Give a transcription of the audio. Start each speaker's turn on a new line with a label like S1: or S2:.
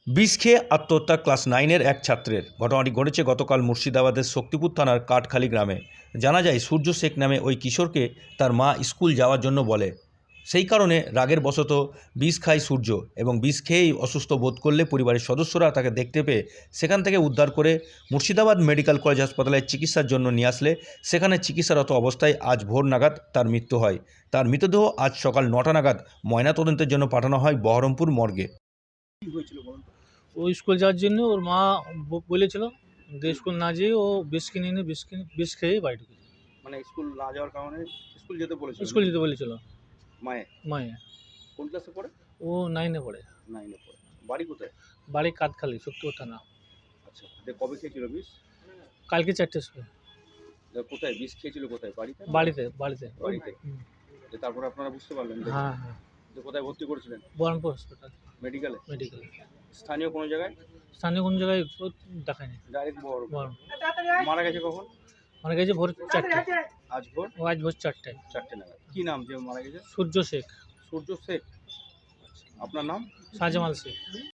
S1: বিষ খেয়ে আত্মহত্যা ক্লাস 9-এর এক ছাত্রের। ঘটনাটি ঘটেছে গতকাল মুর্শিদাবাদের শক্তিপুর থানার কাঠখালি গ্রামে। জানা যায় সূর্য শেখ নামে ওই কিশোরকে তার মা স্কুল যাওয়ার জন্য বলে। সেই কারণে রাগের বশত বিষ খায় সূর্য এবং বিষ খেয়েই অসুস্থ বোধ করলে পরিবারের সদস্যরা তাকে দেখতে পেয়ে সেখান থেকে উদ্ধার করে মুর্শিদাবাদ মেডিকেল কলেজ হাসপাতালে চিকিৎসার জন্য নিয়ে আসলে সেখানে চিকিৎসারত অবস্থায় আজ ভোর নাগাদ তার মৃত্যু হয়। তার মৃতদেহ আজ সকাল 9টা নাগাদ ময়নাতদন্তের জন্য পাঠানো হয় বহরমপুর মর্গে।
S2: ও স্কুল যাওয়ার জন্য ওর মা বলেছিল যে স্কুল না যেয়ে ও বিষ কিনে এনে বিষ খেয়ে বাড়ি ঢুকেছে।
S3: মানে স্কুল না যাওয়ার কারণে স্কুল যেতে বলেছিল?
S2: স্কুল যেতে বলেছিল
S3: মায়ে কোন ক্লাসে পড়ে?
S2: ও 9-এ পড়ে।
S3: 9-এ পড়ে। বাড়ি কোথায়?
S2: বাড়ি কাঠখালি, শক্তিপুর থানা।
S3: আচ্ছা, কবে খেয়েছিল বিষ?
S2: কালকে 4টের সময়।
S3: কোথায় বিষ খেয়েছিল? কোথায়? বাড়িতে?
S2: বাড়িতে।
S3: তারপরে আপনারা বুঝতে পারলেন?
S2: হ্যাঁ হ্যাঁ।
S3: কোথায় ভর্তি করেছিলেন?
S2: বহরমপুর হসপিটাল
S3: মেডিকেলে?
S2: মেডিকেলে।
S3: স্থানীয় কোনো জায়গায়?
S2: স্থানীয় কোনো জায়গায় দেখায়নি।
S3: ডাইরেক্ট
S2: বহরমপুর।
S3: মারা গেছে কখন?
S2: মারা গেছে ভোর 4টে।
S3: আজ ভোর?
S2: আজ ভোর 4টে।
S3: 4টে নাগাদ। কি নাম যে মারা গেছে?
S2: সূর্য শেখ।
S3: সূর্য শেখ। আপনার নাম?
S2: শাহজামাল শেখ।